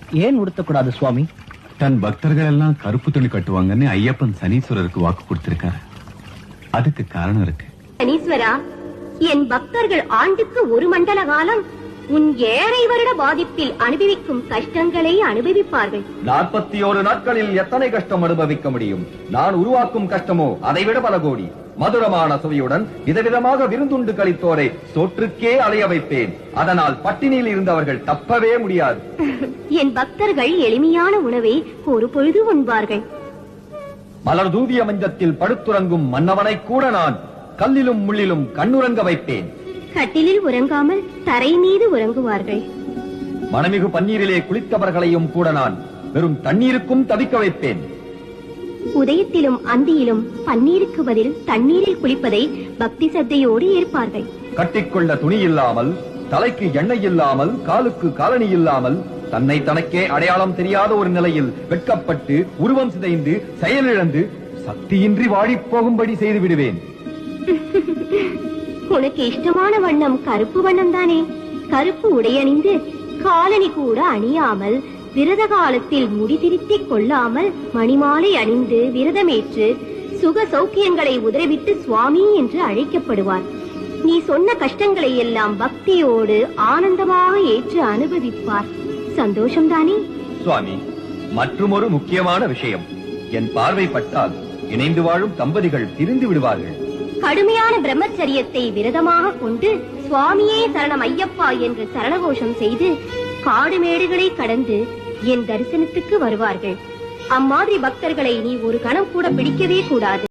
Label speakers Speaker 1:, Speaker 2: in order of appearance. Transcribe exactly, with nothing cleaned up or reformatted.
Speaker 1: ஏன் உடுத்தக்கூடாது சுவாமி?
Speaker 2: தன் பக்தர்கள் எல்லாம் கருப்பு துணி கட்டுவாங்கன்னு ஐயப்பன் சனீஸ்வரருக்கு வாக்கு கொடுத்திருக்காரு. அதுக்கு காரணம் இருக்கு.
Speaker 3: சனீஸ்வரா, என் பக்தர்கள் ஆண்டுக்கு ஒரு மண்டல காலம் உன் ஏழை வருட பாதிப்பில் அனுபவிக்கும் கஷ்டங்களை அனுபவிப்பார்கள்.
Speaker 4: நாற்பத்தி ஓரு நாட்களில் எத்தனை கஷ்டம் அனுபவிக்க முடியும்? நான் உருவாக்கும் கஷ்டமோ அதைவிட பல கோடி. மதுரமான சுவையுடன் விதவிதமாக விருந்துண்டு கழித்தோரை சோற்றுக்கே அலைய வைப்பேன். அதனால் பட்டினியில் இருந்தவர்கள் தப்பவே முடியாது.
Speaker 3: என் பக்தர்கள் எளிமையான உணவை ஒரு பொழுது உண்பார்கள்.
Speaker 4: மலர் தூவிய மஞ்சத்தில் படுத்துறங்கும் மன்னவனை கூட நான் கல்லிலும் முள்ளிலும் கண்ணுறங்க வைப்பேன்.
Speaker 3: கட்டிலில் உறங்காமல் தரை மீது உறங்குவார்கள்.
Speaker 4: மனமிகு பன்னீரிலே குளித்தவர்களையும் கூட நான் வெறும் தண்ணீருக்கும் தவிக்க வைப்பேன்.
Speaker 3: உதயத்திலும் அந்தியிலும் பன்னீருக்கு பதில் தண்ணீரில் குளிப்பதை பக்தி சத்தையோடு ஏற்பார்கள்.
Speaker 4: கட்டிக்கொள்ள துணி இல்லாமல், தலைக்கு எண்ணெய் இல்லாமல், காலுக்கு காலணி இல்லாமல், தன்னை தனக்கே அடையாளம் தெரியாத ஒரு நிலையில் வெட்கப்பட்டு உருவம் சிதைந்து செயலிழந்து சக்தியின்றி வாடிப் போகும்படி செய்து விடுவேன்.
Speaker 3: உனக்கு இஷ்டமான வண்ணம் கருப்பு வண்ணம் தானே? கருப்பு உடையணிந்து காலணி கூட அணியாமல், விரத காலத்தில் முடி திருத்திக் கொள்ளாமல், மணிமாலை அணிந்து விரதமேற்று சுக சௌக்கியங்களை உதறிவிட்டு சுவாமி என்று அழைக்கப்படுவார். நீ சொன்ன கஷ்டங்களை எல்லாம் பக்தியோடு ஆனந்தமாக ஏற்று அனுபவிப்பார். சந்தோஷம்தானே?
Speaker 4: சுவாமி, மற்றுமொரு முக்கியமான விஷயம். என் பார்வைப்பட்டால் இணைந்து வாழும் தம்பதிகள் பிரிந்து விடுவார்கள்.
Speaker 3: கடுமையான பிரம்மச்சரியத்தை விரதமாக கொண்டு சுவாமியே சரணம் ஐயப்பா என்று சரணகோஷம் செய்து காடு மேடுகளை கடந்து என் தரிசனத்துக்கு வருவார்கள். அம்மாதிரி பக்தர்களை நீ ஒரு கணம் கூட பிடிக்கவே கூடாது.